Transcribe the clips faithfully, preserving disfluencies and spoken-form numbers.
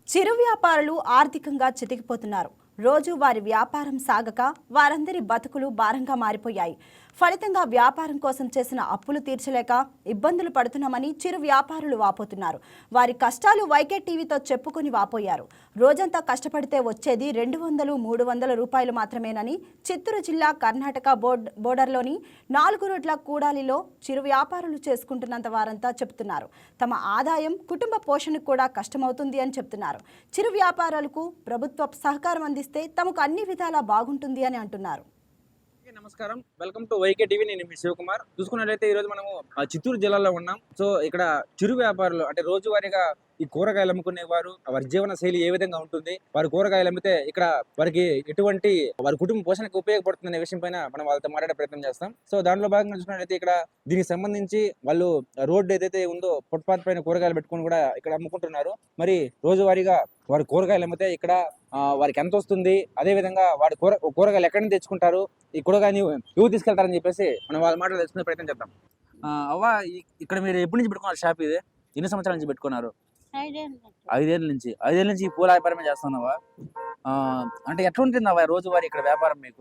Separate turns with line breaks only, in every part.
చిరు వ్యాపారులు ఆర్థికంగా చితికిపోతున్నారు. రోజు వారి వ్యాపారం సాగక వారందరి బతుకులు భారంగా మారిపోయాయి. ఫలితంగా వ్యాపారం కోసం చేసిన అప్పులు తీర్చలేక ఇబ్బందులు పడుతున్నామని చిరు వ్యాపారులు వాపోతున్నారు. వారి కష్టాలు వైకే టీవీతో చెప్పుకొని వాపోయారు. రోజంతా కష్టపడితే వచ్చేది రెండు వందలు మూడు వందల రూపాయలు మాత్రమేనని చిత్తూరు జిల్లా కర్ణాటక బోర్డ్ బోర్డర్లోని నాలుగు రోడ్ల కూడాలిలో చిరు వ్యాపారులు చేసుకుంటున్నంత వారంతా చెబుతున్నారు. తమ ఆదాయం కుటుంబ పోషణకు కూడా కష్టమవుతుంది అని చెప్తున్నారు. చిరు వ్యాపారాలకు ప్రభుత్వ సహకారం అందిస్తే తమకు అన్ని విధాలా బాగుంటుంది అని అంటున్నారు.
నమస్కారం, వెల్కమ్ టు వైకే టీవీ. నేను మీ శివకుమార్. చూసుకున్నట్లయితే ఈ రోజు మనము చిత్తూరు జిల్లాలో ఉన్నాం. సో ఇక్కడ చిరు వ్యాపారులు అంటే రోజువారీగా ఈ కూరగాయలు అమ్ముకునే వారు వారి జీవన శైలి ఏ విధంగా ఉంటుంది, వారి కూరగాయలు అమ్మితే ఇక్కడ వారికి ఎటువంటి వారి కుటుంబ పోషణకు ఉపయోగపడుతుంది అనే విషయం పైన మనం వాళ్ళతో మాట్లాడే ప్రయత్నం చేస్తాం. సో దాంట్లో భాగంగా చూసుకున్నట్లయితే ఇక్కడ దీనికి సంబంధించి వాళ్ళు రోడ్డు ఏదైతే ఉందో ఫుట్పాత్ పైన కూరగాయలు పెట్టుకుని కూడా ఇక్కడ అమ్ముకుంటున్నారు. మరి రోజువారీగా వారి కూరగాయలు అమ్మితే ఇక్కడ వారికి ఎంత వస్తుంది, అదే విధంగా వారి కూర కూరగాయలు ఎక్కడి నుంచి తెచ్చుకుంటారు, ఈ కూరగాయలు ఎవరు తీసుకెళ్తారని చెప్పేసి మనం వాళ్ళ మాటలు తెలుసుకునే ప్రయత్నం చేద్దాం. అవ్వ, ఇక్కడ మీరు ఎప్పటి నుంచి పెట్టుకున్నారు షాప్? ఇది ఎన్ని సంవత్సరాల నుంచి పెట్టుకున్నారు? ఐదేళ్ళ నుంచి ఐదేళ్ళ నుంచి ఈ పూల వ్యాపారమే చేస్తున్నావా? అంటే ఎట్లా ఉంటుంది అవ్వ రోజువారీ ఇక్కడ వ్యాపారం మీకు?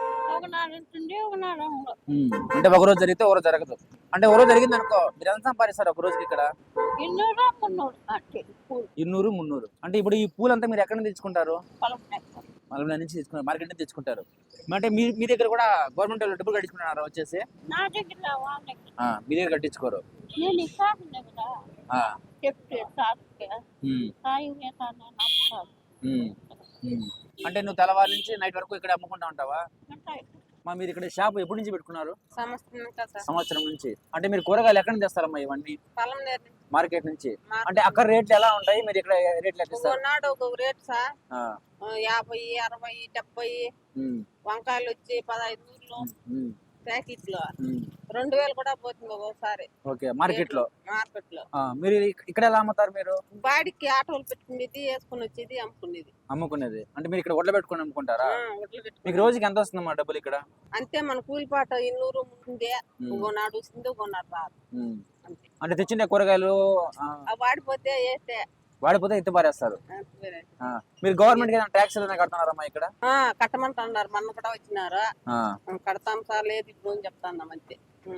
అంటే ఒక రోజు జరిగితే ఒక రోజు జరగదు. అంటే ఒక రోజు జరిగింది అనుకో, మీరు ఎంత సంపాదిస్తారు ఒక రోజుకి ఇక్కడ? ఇన్నూరు మున్నూరు. అంటే ఇప్పుడు ఈ పూలంతా మీరు ఎక్కడ నుంచి తెచ్చుకుంటారు? మలమల నుంచి తెచ్చుకుంటారు, మార్కెట్ నుంచి తెచ్చుకుంటారు. అంటే మీ మీ దగ్గర కూడా గవర్నమెంట్ వాళ్ళు డబ్బులు కట్టించుకుంటున్నారు వచ్చేసి? మీ దగ్గర కట్టించుకోరు. అంటే నువ్వు తెల్లవారి నుంచి నైట్ వరకు ఇక్కడ అమ్ముకుంటా ఉంటావా? మా మీరు ఇక్కడ షాప్ ఎప్పటి నుంచి పెట్టుకున్నారు? సంవత్సరం నుంచి. అంటే మీరు కూరగాయలు ఎక్కడ నుంచి తెస్తారమ్మా ఇవన్నీ? మార్కెట్ నుంచి. అంటే అక్కడ రేట్లు ఎలా ఉంటాయి, మీరు ఇక్కడ రేట్లు ఎట్లా?
రేట్ సార్ యాభై అరవై డెబ్బై, వంకాయలు వచ్చి పదహైదు నూరులు ప్యాకెట్ లో రెండు వేలు కూడా పోతుంది ఒక్కోసారి.
ఓకే, మార్కెట్ లో
మార్కెట్ లో
మీరు ఇక్కడ ఎలా అమ్ముతారు? మీరు
బాడికి ఆటోలు పెట్టుకునేది, వేసుకుని వచ్చేది, అమ్ముకునేది.
అమ్ముకునేది అంటే మీరు ఇక్కడ వడ్ల పెట్టుకుని అమ్ముకుంటారా? మీకు రోజుకి ఎంత వస్తుందమ్మా డబ్బులు ఇక్కడ?
అంతే, మన కూలిపాట ఇన్నూరు ముందే నాడు వస్తుంది, ఒకనాడు రాదు.
అంటే తెచ్చిన కూరగాయలు
వాడిపోతే వేస్తే
వాడిపోతే ఎత్తి పారేస్తారు. మీరు గవర్నమెంట్ ట్యాక్స్ ఏదైనా కడుతున్నారమ్మా ఇక్కడ?
కట్టమంటున్నారు, మొన్న కూడా వచ్చినారు. కడతాం సార్, లేదు ఇప్పుడు అని చెప్తాన్నాం అంతే.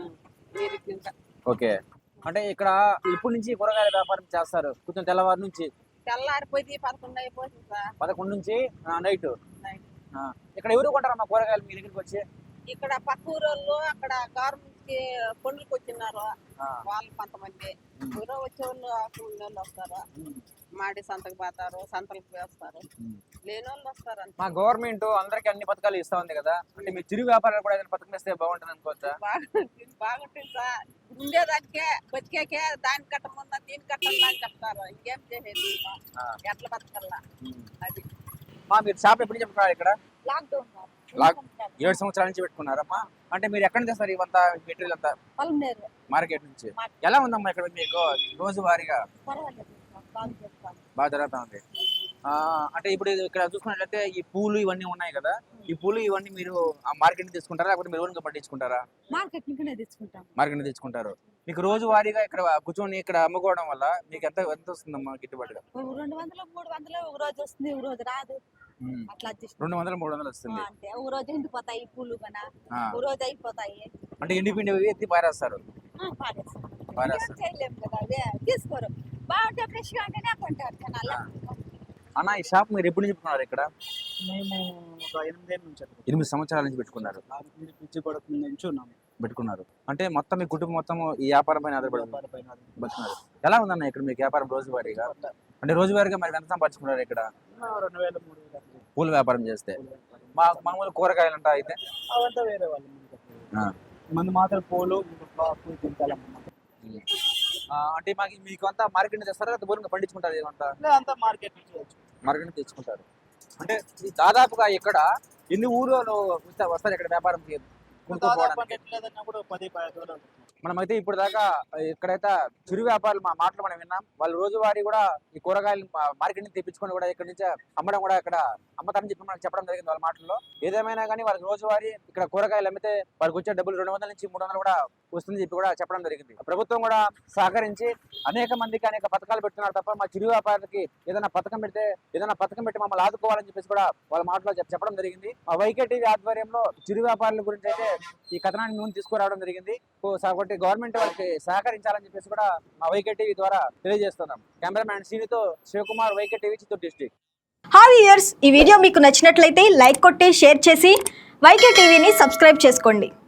ఓకే, అంటే ఇక్కడ ఇప్పటి నుంచి కూరగాయల వ్యాపారం చేస్తారు కొంచెం తెల్లవారు నుంచి?
తెల్లారిపోయి పదకొండు అయిపోతుంది సార్.
పదకొండు నుంచి నైట్. ఇక్కడ ఎవరు కొంటారమ్మా కూరగాయలు మీ దగ్గరికి వచ్చి?
ఇక్కడ పక్క ఊరోళ్ళు, అక్కడ గవర్నమెంట్ కి కొండలకు వచ్చినారు వాళ్ళు కొంతమంది. ఊరో వచ్చే వాళ్ళు వాళ్ళు వస్తారు, మాడి సంతకు పోతారు, సంతలకు వేస్తారు, లేని వాళ్ళు వస్తారు.
మా గవర్నమెంట్ అందరికి అన్ని పథకాలు ఇస్తా ఉంది కదా, అంటే మీ చిరు వ్యాపారాలు కూడా ఏదైనా పథకం ఇస్తే బాగుంటుంది అనుకోవచ్చా?
బాగుంటుంది సార్, ఉండేదానికే బతికేకే దాని కట్టముందా దీని కట్టాలా అని చెప్తారు. ఇంకేం చేసేది, ఎట్లా బతకల్లా అది.
మా మీరు షాప్ ఎప్పుడు చెప్తున్నారు ఇక్కడ?
లాక్డౌన్
ఏడు సంవత్సరాల నుంచి పెట్టుకున్నారమ్మా. అంటే మీరు ఎక్కడ నుంచి తెస్తారు ఇవంతా మెటీరియల్ అంతా? మార్కెట్ నుంచి. ఎలా ఉందమ్మా ఇక్కడ మీకు రోజువారీగా? బాగా జరుగుతా ఉంది. అంటే ఇప్పుడు ఇక్కడ చూసుకున్నట్లయితే ఈ పూలు ఇవన్నీ ఉన్నాయి కదా, ఈ పూలు ఇవన్నీ మీరు ఆ మార్కెట్ నుంచి తీసుకుంటారా లేకపోతే మీరు ఊరిగా పట్టించుకుంటారా?
మార్కెట్ నుంచి తెచ్చుకుంటాం.
మార్కెట్ నుంచి తెచ్చుకుంటారు. మీకు రోజువారీగా ఇక్కడ కూర్చొని ఇక్కడ అమ్ముకోవడం వల్ల మీకు ఎంత ఎంత వస్తుందమ్మా గిట్టుబాటుగా?
రెండు వందలు మూడు వందలు ఒక రోజు వస్తుంది, ఒక రోజు రాదు.
రెండు వందలు మూడు వందలు వస్తుంది.
ఒక రోజు ఎండిపోతాయి పూలు కన్నా, ఒక రోజు అయిపోతాయి.
అంటే ఎండిపిండి ఎత్తి పారేస్తారు?
చేయలేము కదా, అదే తీసుకోరు. బాగుంటే ఫ్రెష్ గా ఉంటేనే కొంటారు జనాలు.
అన్న, ఈ షాప్ మీరు ఎప్పుడు నుంచి పెట్టుకున్నారు ఇక్కడ?
మేము ఒక ఎనిమిదేళ్ళ నుంచి
ఎనిమిది సంవత్సరాల నుంచి పెట్టుకున్నారు.
పిచ్చి పడక నుంచి ఉన్నాము
పెట్టుకున్నారు. అంటే మొత్తం మీ కుటుంబం మొత్తం ఈ వ్యాపారం పైన ఆధారపడి బతుకున్నారు. ఎలా ఉందన్న ఇక్కడ మీకు వ్యాపారం రోజువారీగా? అంటే రోజువారీగా మరి ఎంత సంపాదించుకున్నారు ఇక్కడ?
రెండు వేల మూడు వేల
పూల వ్యాపారం చేస్తే. మా మామూలు కూరగాయలు అంట అయితే
అవంతా వేరే వాళ్ళు, మంది మాత్రం పూలు
అంటే మాకు మీకు అంతా మార్కెట్ నుంచి తెస్తారా లేదా బోర్గా పండించుకుంటారు? ఏమంతా
అంతా మార్కెట్ నుంచి
మార్కెట్ నుంచి తెచ్చుకుంటారు. అంటే దాదాపుగా ఇక్కడ ఎన్ని ఊర్లో వస్తారు ఇక్కడ వ్యాపారం మనమైతే ఇప్పుడు దాకా ఇక్కడైతే చిరు వ్యాపారులు మా మాటలు మనం విన్నాం. వాళ్ళు రోజువారీ కూడా ఈ కూరగాయలు మార్కెట్ నుంచి తెప్పించుకొని కూడా ఇక్కడ నుంచి అమ్మడం కూడా ఇక్కడ అమ్మతారని చెప్పి మనకు చెప్పడం జరిగింది వాళ్ళ మాటల్లో. ఏదేమైనా కానీ వాళ్ళకి రోజువారీ ఇక్కడ కూరగాయలు అమ్మితే వాళ్ళకి వచ్చే డబ్బులు రెండు వందల నుంచి మూడు వందలు కూడా వస్తుందని చెప్పి కూడా చెప్పడం జరిగింది. ప్రభుత్వం కూడా సహకరించి అనేక మందికి అనేక పథకాలు పెడుతున్నారు తప్ప మా చిరు వ్యాపారులకి ఏదైనా పథకం పెడితే ఏదైనా పథకం పెట్టి మమ్మల్ని ఆదుకోవాలని చెప్పేసి కూడా వాళ్ళ మాటలో చెప్- చెప్పడం జరిగింది. మా వైకే టీవీ ఆధ్వర్యంలో చిరు వ్యాపారుల గురించి అయితే ఈ కథనాన్ని ముందు తీసుకురావడం జరిగింది. సో కాబట్టి గవర్నమెంట్ వాళ్ళకి సహకరించాలని చెప్పేసి కూడా మా వైకే టీవీ ద్వారా తెలియజేస్తున్నాం. కెమెరామ్యాన్ శ్రీనితో Sivakumar, YK TV, Chittoor district.
Hi viewers, ఈ వీడియో మీకు నచ్చినట్లయితే లైక్ కొట్టి షేర్ చేసి వైకే టీవీని సబ్స్క్రైబ్ చేసుకోండి.